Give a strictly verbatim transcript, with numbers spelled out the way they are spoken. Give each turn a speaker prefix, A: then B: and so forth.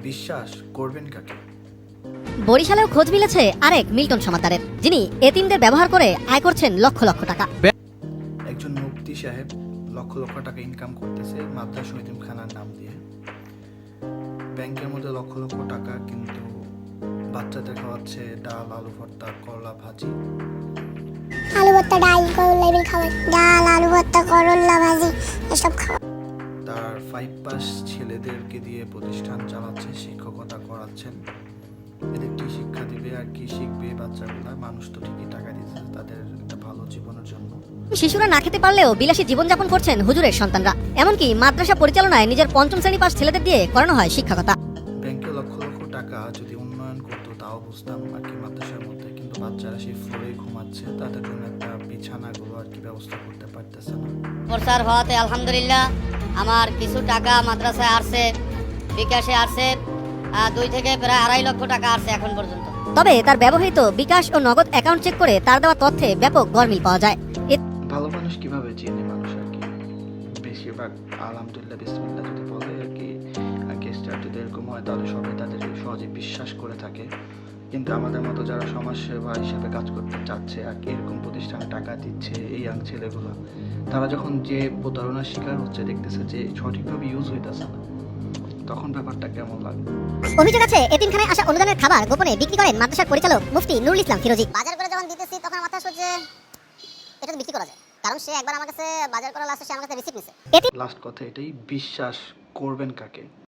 A: বিশ্বাস করবেন কাকে?
B: বরিশালেও খোঁজ মিলেছে আরেক মিল্টন সমাদ্দারের, যিনি এতিমদের ব্যবহার করে আয় করছেন লক্ষ লক্ষ টাকা।
A: একজন মুফতি সাহেব লক্ষ লক্ষ টাকা ইনকাম করতেছে মাদ্রাসা এতিমখানার নাম দিয়ে। ব্যাংকের মধ্যে লক্ষ লক্ষ টাকা, কিন্তু বাচ্চাদের খাওয়াচ্ছে ডাল, আলু ভর্তা, করলা ভাজি।
C: আলু ভর্তা, ডাল, করলা এগুলো খাওয়ায়। ডাল, আলু ভর্তা, করলা ভাজি এসব খাওয়া।
A: তার ফাইভ পাস ছেলেদেরকে দিয়ে প্রতিষ্ঠান চালাচ্ছে, শিক্ষকতা করাচ্ছেন। এদের কি শিক্ষা দিবে আর কি শিখবে বাচ্চাগুলা? মানুষ তো ঠিকই টাকা দিচ্ছে তাদের একটা ভালো জীবনের জন্য।
B: শিশুরা না খেতে পারলেও বিলাসী জীবনযাপন করছেন হুজুরের সন্তানরা। এমনকি মাদ্রাসা পরিচালনায় নিজের পঞ্চম শ্রেণী পাস ছেলেদের দিয়ে করানো হয় শিক্ষকতা।
A: ব্যাংকে লক্ষ লক্ষ টাকা যদি উন্নয়ন করতো তাও বুঝতাম আর কি মাদ্রাসার মধ্যে, কিন্তু বাচ্চারা সেই ফ্লোরে ঘুমাচ্ছে, তাদের জন্য একটা বিছানাগুলো আর কি ব্যবস্থা করতে পারতেছে না।
D: প্রচার হওয়াতে আলহামদুলিল্লাহ আমার কিছু টাকা মাদ্রাসায় আসছে, বিকাশে আসছে, আহ, দুই থেকে প্রায় আড়াই লক্ষ টাকা আসছে এখন পর্যন্ত।
B: তবে তার ব্যবহৃত বিকাশ ও নগদ অ্যাকাউন্ট চেক করে তার দেওয়া তথ্যে ব্যাপক গরমিল পাওয়া যায়।
A: ভালো মানুষ কিভাবে চেনে মানুষ আর কি? বেশিরভাগ আলহামদুলিল্লাহ বিসমিল্লাহ যদি বলে আর কি, গেস্টার যদি এরকম হয় তাহলে সবাই তাদের সহজে বিশ্বাস করে থাকে। কিন্তু আমাদের মতো যারা সমাজসেবা হিসেবে কাজ করতে চাচ্ছে আর কি, এরকম প্রতিষ্ঠানে টাকা দিচ্ছে এই ইয়াং ছেলেগুলো, তারা যখন যে প্রতারণার শিকার হচ্ছে, দেখতেছে যে সঠিকভাবে ইউজ হইতেছে না, তখন ব্যাপারটা কেমন লাগে?
B: অভিযোগ আছে এতিমখানায় আসা অনুদানের খাবার গোপনে বিক্রি করেন মাদ্রাসার পরিচালক মুফতি নুরুল ইসলাম ফিরোজী।
E: বাজার করে যখন দিতেছি তখন মাথা আসছে যে এটা তো বিক্রি করা যায়, কারণ সে একবার আমার কাছে বাজার করা লাস্টে সে আমার কাছে রিসিপ্ট নিছে।
A: লাস্ট কথা এটাই, বিশ্বাস করবেন কাকে?